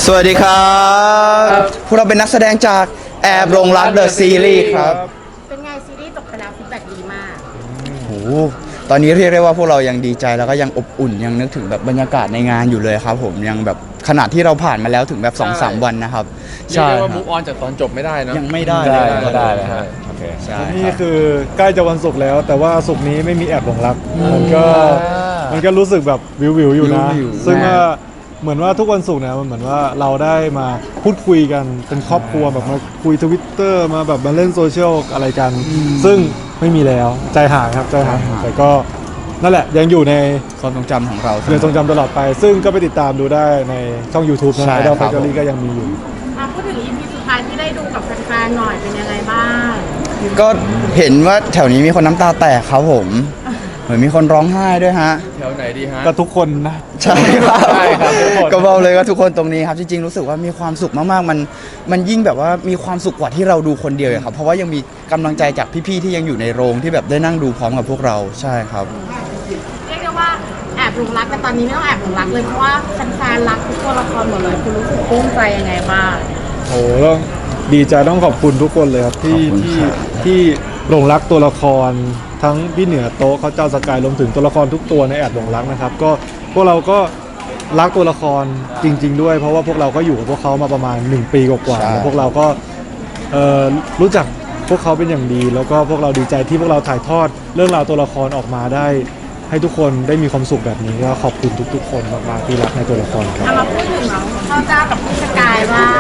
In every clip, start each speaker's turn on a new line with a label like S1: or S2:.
S1: สวัสดีครับพวกเราเป็นนักแสดงจากแอบหลงรักเดอะซีรีส์ครับ
S2: เป็นไงซีรีส์จบไปแล้วฟีดแบ็กดีมาก
S1: โอ้ตอนนี้เรียกได้ว่าพวกเรายังดีใจแล้วก็ยังอบอุ่นยังนึกถึงแบบบรรยากาศในงานอยู่เลยครับผมยังแบบขนาดที่เราผ่านมาแล้วถึงแบบ 2-3 วันนะครับ
S3: เรียกได้ว่ามูฟออนจากตอนจบไม่ได้นะ
S1: ยังไม่ได้
S4: ก็ได้เลยฮะโอเค
S5: นี่คือใกล้จะวันศุกร์แล้ว แต่ว่าศุกร์นี้ไม่มีแอบหลงรักมันก็รู้สึกแบบวิวอยู่นะซึ่งว่าเหมือนว่าทุกวันศุกร์เนี่ยมันเหมือนว่าเราได้มาพูดคุยกันเป็นครอบครัวแบบมาคุยTwitterมาแบบมาเล่นโซเชียลอะไรกันซึ่งไม่มีแล้วใจหายครับใจหายแต่ก็นั่นแหละยังอยู่ใน
S1: ความทรงจำของเรา
S5: ยังทรงจำตลอดไปซึ่งก็ไปติดตามดูได้ในช่อง YouTube นะไอดอลแฟคทอรี่ก็ยังมีอยู่
S2: พูดถึง EP สุดท้ายที่ได้ดูกับแฟนๆหน่อยเป็นยังไงบ้าง
S1: ก็เห็นว่าแถวนี้มีคนน้ำตาแตกครับผมเหมือนมีคนร้องไห้ด้วยฮะ
S3: แถวไหนดีฮะ
S5: ก็ทุกคนนะ
S1: ใช่ครับก็บอกเลยว่าทุกคนตรงนี้ครับจริงๆรู้สึกว่ามีความสุขมากๆมันยิ่งแบบว่ามีความสุขกว่าที่เราดูคนเดียวครับเพราะว่ายังมีกำลังใจจากพี่ๆที่ยังอยู่ในโรงที่แบบได้นั่งดูพร้อมกับพวกเราใช่ครับ
S2: เรียกได้ว่าแอบหลงรักแต่ตอนนี้ไม่ต้องแอบหลงรักเลยเพราะว่าแฟนๆรักทุกตัวละครหมดเลยคุณรู้สึกปลื้มใจยังไงบ้าง
S5: โอ้ต้องดีใจต้องขอบคุณทุกคนเลยครับที่หลงรักตัวละครทั้งพี่เหนือโต๊ะเขาเจ้าสกายรวมถึงตัวละครทุกตัวในแอบหลงรักนะครับก็พวกเราก็รักตัวละครจริงๆด้วยเพราะว่าพวกเราก็อยู่กับพวกเขามาประมาณ1 ปีกว่าๆแล้วพวกเราก็รู้จักพวกเขาเป็นอย่างดีแล้วก็พวกเราดีใจที่พวกเราถ่ายทอดเรื่องราวตัวละครออกมาได้ให้ทุกคนได้มีความสุขแบบนี้ก็ขอบคุณทุกๆคนมากๆที่รักในตัวละครครับ
S2: มาพูดถึงน้องข้าวเจ้ากับพี่สกายว่า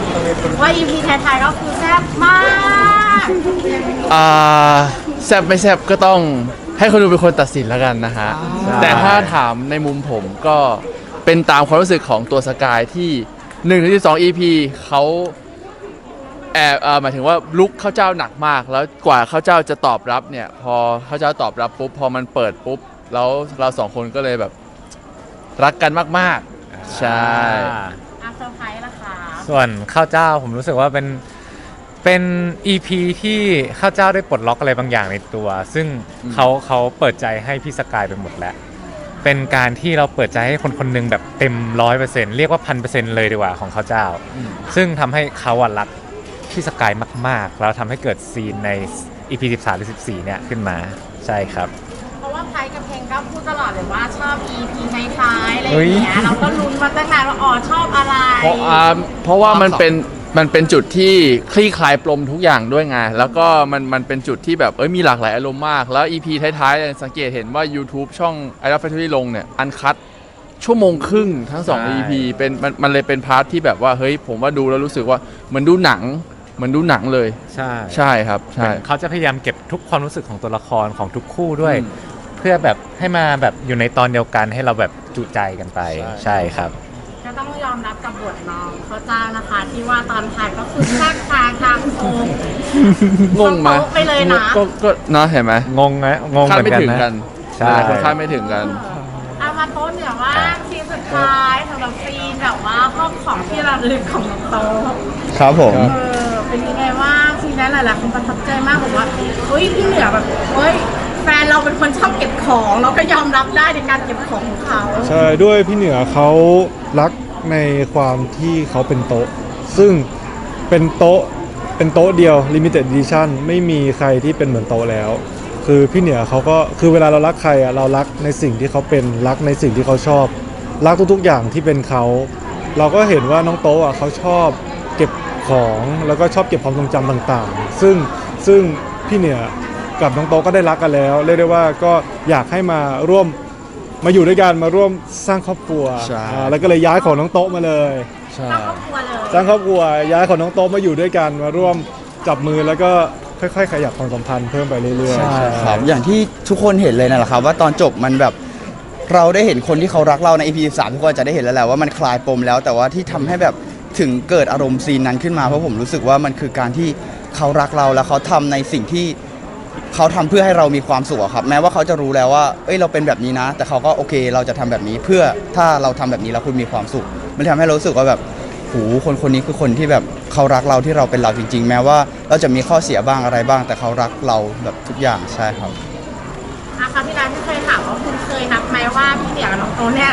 S2: EP ไทยๆก็คือแซ่บมาก
S3: แซบไม่แซบก็ต้องให้คนดูเป็นคนตัดสินแล้วกันนะฮะแต่ถ้าถามในมุมผมก็เป็นตามความรู้สึกของตัวสกายที่1-12 EP เขาหมายถึงว่าลุกข้าวเจ้าหนักมากแล้วกว่าข้าวเจ้าจะตอบรับเนี่ยพอข้าวเจ้าตอบรับปุ๊บพอมันเปิดปุ๊บแล้วเราสองคนก็เลยแบบรักกันมากๆใช่
S2: เซอร์ไพรส์ล่ะคะ
S4: ส่วนข้าวเจ้าผมรู้สึกว่าเป็น EP ที่ข้าวเจ้าได้ปลดล็อกอะไรบางอย่างในตัวซึ่งเขาเปิดใจให้พี่สกายไปหมดแล้วเป็นการที่เราเปิดใจให้คนคนนึงแบบเต็ม 100% เรียกว่า 1,000% เลยดีกว่าของข้าวเจ้าซึ่งทำให้เขารักพี่สกายมากๆแล้วทำให้เกิดซีนใน EP 13 หรือ 14 เนี่ยขึ้นมาใช่ครับ
S2: เพราะว่าไพกับเพลงก็พูดตลอดเลยว่าชอบ EP ท้ายๆอะไรอย่างเงี้ยเราก็ลุ้นมาตั้งนานว่าชอบอะไร
S3: เพราะว่ามันเป็นจุดที่คลี่คลายปมทุกอย่างด้วยไงแล้วก็มันเป็นจุดที่แบบมีหลากหลายอารมณ์มากแล้ว EP ท้ายๆสังเกตเห็นว่า YouTube ช่อง Idol Factory ลงเนี่ยอันคัทชั่วโมงครึ่งทั้ง2 EP เป็นมันเลยเป็นพาร์ทที่แบบว่าเฮ้ยผมว่าดูแล้วรู้สึกว่าเหมือนดูหนังเลยใช่ครับใช่
S4: เขาจะพยายามเก็บทุกความรู้สึกของตัวละครของทุกคู่ด้วยเพื่อแบบให้มาแบบอยู่ในตอนเดียวกันให้เราแบบจุใจกันไปใช่ครับ
S2: ก็ต้องยอมรับกับบทน้องเขาเจ้านะคะที่ว่าตอนถ่ายก็คือแทรกทางโค้ง
S3: งมา
S2: ไปเลยนะ
S3: ก็นะเห็นไหม
S4: งงนะงงเหมือนกันนะ
S3: ใช่คาดไม่ถึงกัน
S2: เอามาโต๊ะเหนือว่าซีนสุดท้ายสำหรับซีนแบบว่าห้องของที่ระลึกของโต๊ะ
S1: ครับผม
S2: เป็นยังไงว่าซีนนั้นหลายๆคนประทับใจมากบอกว่าเฮ้ยพี่เหนือแบบเฮ้ยแฟนเราเป็นคนชอบเก็บของเราก็ยอมรับได้ในการเก็บของของเขา
S5: ใช่ด้วยพี่เหนือเขารักในความที่เขาเป็นโต๊ะซึ่งเป็นโต๊ะเดียว Limited Edition ไม่มีใครที่เป็นเหมือนโต๊ะแล้วคือพี่เหนือเขาก็คือเวลาเรารักใครเรารักในสิ่งที่เขาเป็นรักในสิ่งที่เขาชอบรักทุกๆอย่างที่เป็นเขาเราก็เห็นว่าน้องโต๊ะเขาชอบเก็บของแล้วก็ชอบเก็บความทรงจำต่างๆซึ่งพี่เหนือกับน้องโต๊ะก็ได้รักกันแล้วเรียกได้ว่าก็อยากให้มาร่วมมาอยู่ด้วยกันมาร่วมสร้างครอบครัวแล้วก็เลยย้ายของน้องโต๊ะมาเลย
S2: สร้างครอบครัว
S5: ย้ายของน้องโต๊ะมาอยู่ด้วยกันมาร่วมจับมือแล้วก็ค่อยๆขยับความสัมพันธ์เพิ่มไปเรื่อยๆ
S1: ใช่ครับอย่างที่ทุกคนเห็นเลยนั่นแหละครับว่าตอนจบมันแบบเราได้เห็นคนที่เขารักเราใน EP 13ทุกคนจะได้เห็นแล้วแหละว่ามันคลายปมแล้วแต่ว่าที่ทำให้แบบถึงเกิดอารมณ์ซีนนั้นขึ้นมาเพราะผมรู้สึกว่ามันคือการที่เขารักเราแล้วเขาทำในสิ่งที่เขาทำเพื่อให้เรามีความสุขครับแม้ว่าเขาจะรู้แล้วว่าเราเป็นแบบนี้นะแต่เขาก็โอเคเราจะทำแบบนี้เพื่อถ้าเราทำแบบนี้แล้วคุณมีความสุขมันทำให้เรารู้สึกว่าแบบคนนี้คือคนที่แบบเขารักเราที่เราเป็นเราจริงๆแม้ว่าเราจะมีข้อเสียบ้างอะไรบ้างแต่เขารักเราแบบทุกอย่างใช่ครับ
S2: คราวที่แล้วที่เคยถามว่าคุณเคยนับไหมว่าพี่เหนือกับน้องโตเนี่ย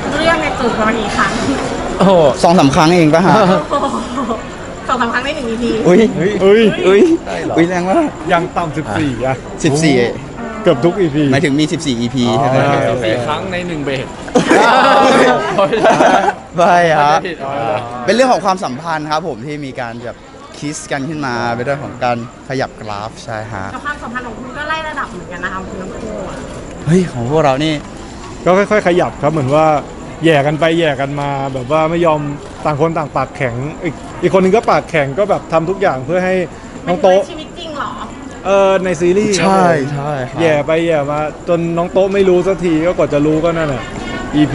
S2: เรื่องในจูบมากี่ครั้ง
S4: โอ้โห
S1: 2-3 ครั้งเองปะฮะ
S2: สองสามครั้งได้1 EP
S1: อุ้ย
S5: เฮ้ย
S1: อุ้ยอุ้ยแรงมาก
S5: ยังต่ำ14 อ่ะ
S1: 14
S5: เกือบทุก EP
S1: หมายถึงมี 14 EP ใช่ไหม
S5: อ๋อ
S3: สี่ครั้งใน1เบรก
S1: ไม่ฮะ
S3: ผิด
S1: เป็นเรื่องของความสัมพันธ์ครับผมที่มีการแบบคิสกันขึ้นมาเป็นเรื่องของการขยับกราฟใช่ฮะ
S2: กับความสัมพันธ์ของคุณก็ไล่ระดับเหมือนกันนะคะคุณทั้งคู่อะ
S1: เฮ้ยของพวกเรานี่
S5: ก็ค่อยๆ ขยับครับเหมือนว่าแย่กันไปแย่กันมาแบบว่าไม่ยอมต่างคนต่างปากแข็งอีกคนนึงก็ปากแข็งก็แบบทำทุกอย่างเพื่อให้น้องโต๊ะ
S2: ในชีวิตจริงเหรอ
S5: ในซีรีส์ครับ
S1: ใช่
S5: ผม
S1: ใช่ครับ
S5: แย่ไปแย่มาจนน้องโต๊ะไม่รู้สักทีก็กว่าจะรู้ก็นั่นน่ะ EP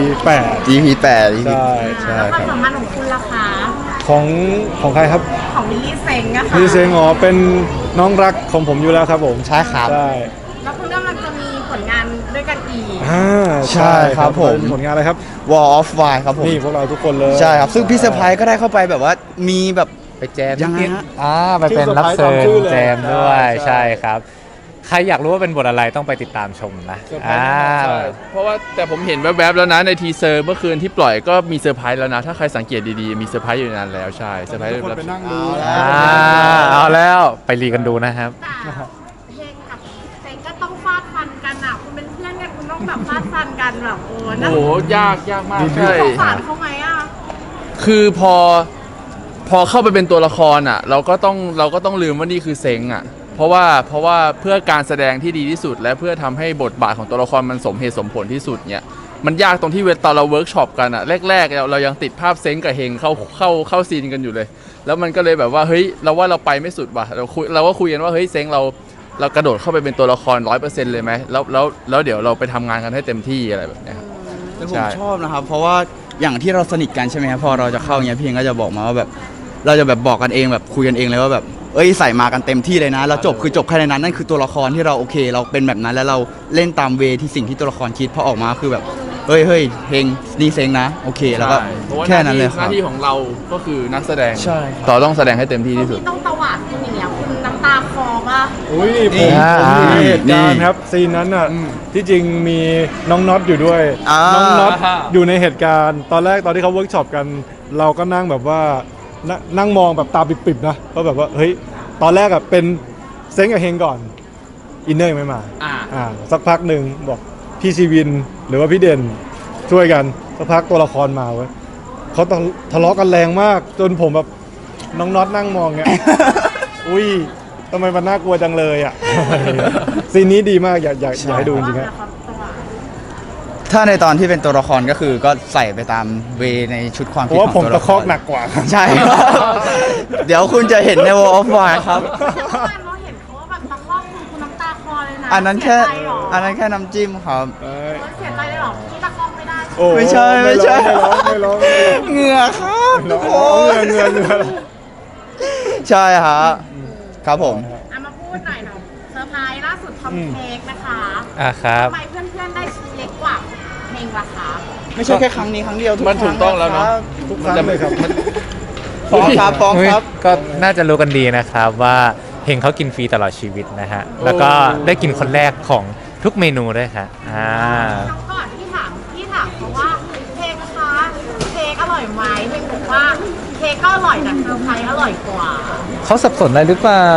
S5: 8
S1: EP 8 EP
S5: ใช่
S1: ใช่
S2: แล้วค
S1: คว
S2: าม
S1: รับ
S2: สัมพันธ์ของคุณล่ะคะ
S5: ของใครครับ
S2: ของวิลลี่เซ็งอะค่ะ
S5: พี่เซงอ๋อเป็นน้องรักของผมอยู่แล้วครับผม
S1: ใช่ครับ
S5: ใช่
S2: แล้วคุณกำลังจะมีผลงานด้วยกันอีก
S1: ใช่ครับผม
S5: เป็นผลงานอะไรครับ
S1: Wall of Wine ครับผม
S5: นี่พวกเราทุกคนเลย
S1: ใช่ครับ ซึ่งพี่เซอร์ไพรส์ก็ได้เข้าไปแบบว่ามีแบบ
S4: ไปแจม
S1: ยังไงฮะ
S4: ไปเป็นรับเชิญแจมด้วย
S5: ใช่
S4: ใช่ครับ ใครอยากรู้ว่าเป็นบทอะไรต้องไปติดตามชมนะ
S3: เซอร์ไพรส์ใช่เพราะว่าแต่ผมเห็นแวบๆแล้วนะในทีเซอร์เมื่อคืนที่ปล่อยก็มีเซอร์ไพรส์แล้วนะ ถ้าใครสังเกตดีๆ มีเซอร์ไพรส์อยู่ในนั้นแล้วใช่เซอร์ไพรส์
S5: ทุกคน
S3: แบบ
S5: ไปนั่งดู
S4: เอาแล้วไปรีกันดูนะครับ
S2: แต่เพลงกับเซ็งก็ต้องฟาดฟันกันอะคุณเป็นเพื่อนกันคุณต้องแบบฟาดฟันกันแบบโอ้
S3: โอ้
S2: น่า
S3: โหยากมากใช่
S2: สงสารเขาไหมอะ
S3: คือพอเข้าไปเป็นตัวละครอ่ะเราก็ต้องลืมว่านี่คือเซ็งอ่ะเพราะว่าเพื่อการแสดงที่ดีที่สุด และเพื่อทำให้บทบาทของตัวละครมันสมเหตุสมผลที่สุดเนี่ยมันยากตรงที่ตอนเราเวิร์กช็อปกันอ่ะแรกๆเรายังติดภาพเซ็งกับเฮงเข้าซีนกันอยู่เลย แล้วมันก็เลยแบบว่าเฮ้ยเราว่าเราไปไม่สุดว่ะเราก็คุยกันว่าเฮ้ยเซ็งเรากระโดดเข้าไปเป็นตัวละคร 100% เลยไหมแล้วเดี๋ยวเราไปทำงานกันให้เต็มที่อะไรแบบเนี้ยครับ
S1: แต่ผ
S3: ใช่
S1: มชอบนะครับ เพราะว่าอย่างที่เราสนิทกันใช่ไหมครับพอเราจะเข้าอย่างเงี้ยพี่เองก็จะบอกมาว่าแบบเราจะแบบบอกกันเองแบบคุยกันเองเลยว่าแบบเอ้ยใส่มากันเต็มที่เลยนะแล้วจบคือจบแค่ในนั้นนั่นคือตัวละครที่เราโอเค เราเป็นแบบนั้นแล้วเราเล่นตามเวที่สิ่งที่ตัวละครคิดพอออกมาคือแบบเฮ้ยเฮงนี่เซ็งนะโอเคแล้วก็
S3: ใช่เพราะว่า
S1: แค่นั้นเลยค
S3: ห
S1: รับ
S3: น้าที่ของเราก็คือนักแสดง
S1: ใช่ครับ
S3: ต่อต้องแสดงให้เต็มที่ที่สุด
S2: ที่ต้องตวาดคุณอย่างเงี้ยคุณน้ำตาคลอป่ะ
S5: อุ้ย
S1: นี่
S5: ผมมีเหตุการ
S1: นี่
S5: ณ์ครับซีนนั้นอ่ะที่จริงมีน้องน็อตอยู่ด้วย
S1: อ่า
S5: น้องน็อตอยู่ในเหตุการณ์ตอนแรกตอนที่เขาเวิร์กช็อปกัน เราก็นั่งแบบว่านั่งมองแบบตาปิบๆนะก็แบบว่าเฮ้ยตอนแรกอ่ะเป็นเซ้งกับเฮงก่อนอินเนอร์ยังไม่มาสักพักหนึ่งบอกพี่ชีวินหรือว่าพี่เด่นช่วยกันสักพักตัวละครมาเว้ยเขาทะเลาะกันแรงมาก จนผมแบบน้องน็อตนั่งมองเงี้ย อุ้ยทำไมมันน่ากลัวจังเลยอ่ะ ซีนนี้ดีมากอยากให้ดูจริงๆ
S2: ว่า
S5: ฮะ
S2: เขาตวาด
S1: ถ้าในตอนที่เป็นตัวละครก็คือก็ใส่ไปตามเวในชุดความ
S5: เพ
S1: คิด
S5: ราะว่า
S1: ของ
S5: ผม
S1: ตัว
S5: ตะ
S1: ละค
S5: คอก
S1: ร
S5: หนักกว่าครับ
S1: ใช่ครับ เดี๋ยวคุณจะเห็นใน Wall of Wine ครับ
S2: แต่เมื่อวานเราเห็นเขาว่าแบบตะคอกคุณน้ำตาคลอเลยนะ
S1: อันนั้นแค่
S2: เสียใจเหรอ
S1: อันนั้นแค่น้ำจิ้มครับ
S2: เสียใจเลยเหรอที่ตะคอกไม่ได้
S5: โอ้
S1: ไม่ใช่ไม่ใช่
S5: ไม่ร้อง
S1: เหงื่อครับ
S5: ไม่ร้
S1: ทุ
S5: อก ง
S1: คน
S5: เงื่อน
S1: ใช่ฮะครับผม
S2: เอามาพูดหน่อยเซอร์ไพรส์ล่าสุดทำเค้กนะคะ
S4: ครับ
S2: ทำไมเพื่อนๆได้ชิ้นเล็กกว่าเพลงล่ะคะ
S1: ไม่ใช่แค่ครั้งนี้ครั้งเดียวทุก
S3: มันถูกต้องแล้วเนอะ
S5: ทุกครั้งเลยครับ
S1: ฟ้องครับฟ้องครับ
S4: ก็น่าจะรู้กันดีนะครับว่าเฮงเขากินฟรีตลอดชีวิตนะฮะ แล้วก็ได้กินคนแรกของทุกเมนูด้วยครับ
S2: ครั้งก่อนที่ถามเขาว่าเค้กนะคะเค้กอร่อยไหมเพลงบอกว่าเค้กก็อร่อยแต่เซอร์ไพรส์อร่อยกว่า
S4: เขาสับสนอะไรหรือเปล่า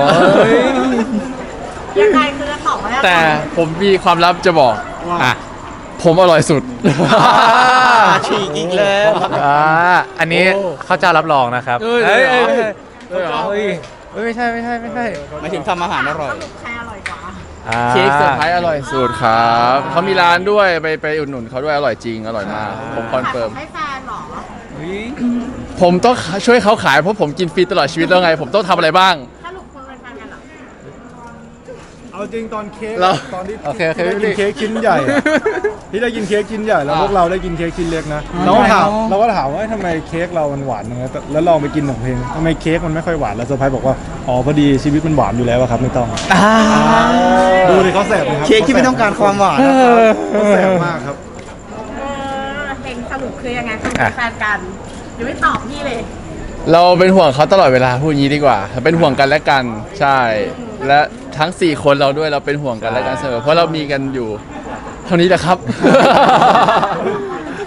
S2: ยังไงคือจะตอบว่ายังไง
S3: แต่ผมมีความลับจะบอก
S4: อ่ะ
S3: ผมอร่อยสุด
S1: ฉีกอีกแล้ว
S4: อันนี้ข้าวเจ้ารับรองนะครับ
S3: เอ้ย
S4: เอ้ย
S3: เอ้
S4: เอ้
S3: ย
S4: ย
S3: เอ้ย
S4: เอ้ยเอ้ยไม่ใช่ไม่ใช่ไม่ใช่
S1: หมายถึงทำอาหารอร่อย
S2: สรุปใครอร่อยกว่า
S3: เค้กเซอร์ไพรส์อร่อยสุดครับเขามีร้านด้วยไปอุดหนุนเขาด้วยอร่อยจริงอร่อยมากผมคอนเฟิร์ม
S2: ให้แฟนเหรอ
S3: ผมต้องช่วยเขาขายเพราะผมกินฟรีตลอดชีวิตแล้วไง ผมต้องทำอะไรบ้าง
S2: สรุปคุณเป็นแฟนกันเหรอ
S5: เอาจริงตอนเค้ก
S3: เรา
S5: ตอนที่
S4: โอเค
S5: ที่ได้กินเค้กชิ้นใหญ่อะที่ได้กินเค้กชิ้นใหญ่แล้วพวกเราได้กินเค้กชิ้นเล็กนะเราก็ถามว่าทำไมเค้กเรามันหวานอย่างเงี้ยแล้วลองไปกินของเพลงทำไมเค้กมันไม่ค่อยหวานแล้วเซอร์ไพรส์บอกว่าอ๋อพอดีชีวิตมันหวานอยู่แล้วอะครับไม่ต้องดูเลยเขาแสบเลยครับ
S1: เค้กที่ไม่ต้องการความหวานนะ
S5: เขาแสบมากครับ
S2: เพลงสรุปคือยังไงคุณเป็นแฟนกันเดี๋ยวไม่ตอบพี่เลย
S3: เราเป็นห่วงเขาตลอดเวลาพูดอย่างนี้ดีกว่าเป็นห่วงกันและกันใช่ และทั้ง 4 คนเราด้วยเราเป็นห่วงกันและกันเสมอเพราะเรามีกันอยู่เท่านี้แหละครับ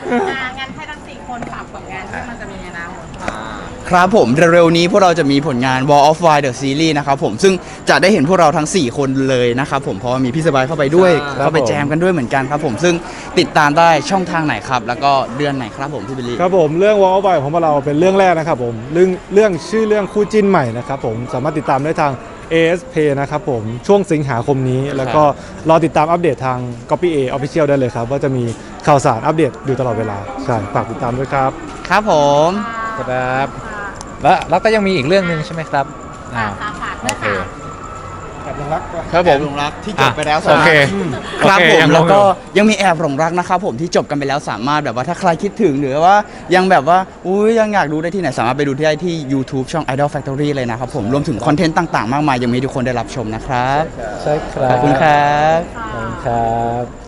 S2: งั้นให้ทั้ง4คนฝากผลงานที่มันจะมีในอนาคต
S1: ครับผมเร็วๆนี้พวกเราจะมีผลงาน Wall of Wine The Series นะครับผมซึ่งจะได้เห็นพวกเราทั้ง 4 คนเลยนะครับผมเพราะว่ามีพี่สบายเข้าไปด้วย
S5: ครับ
S1: เข้าไป
S5: ผม
S1: แจมกันด้วยเหมือนกันครับผมซึ่งติดตามได้ช่องทางไหนครับ แล้วก็เดือนไหนครับผมพี่บิลลี่
S5: ครับผมเรื่องวอลบายของพวกเราเป็นเรื่องแรกนะครับผมเรื่องชื่อเรื่องคู่จิ้นใหม่นะครับผมสามารถติดตามได้ทาง ASP นะครับผมช่วงสิงหาคมนี้ แล้วก็รอติดตามอัปเดตทาง Copy A Official ได้เลยครับว่าจะมีข่าวสารอัปเดตอยู่ตลอดเวลาใช่ฝากติดตามด้วยครับ
S1: ครับผม
S4: ครับแล้วก็ยังมีอีกเรื่องหนึ่งใช่ไหมครับอ่า
S2: ฝากด้วย
S4: โอเค
S2: ค่ะ
S1: ครับผมหลงรักที่จบไปแล้ว
S4: โอเค
S1: ครับ
S4: โอเค
S1: ผม
S4: ยัง
S1: แล้วก็
S4: ลงอยู่
S1: ยังมีแอบหลงรักนะครับผมที่จบกันไปแล้วสามารถแบบว่าถ้าใครคิดถึงหรือว่ายังแบบว่าอุ้ยยังอยากดูได้ที่ไหนสามารถไปดูได้ที่ YouTube ช่อง Idol Factory เลยนะครับผมรวมถึงคอนเทนต์ต่างๆ มากมายยังมีให้ทุกคนได้รับชมนะครับ
S4: ใช่ครับ
S1: ขอบคุณครับ
S4: ขอบคุณครับ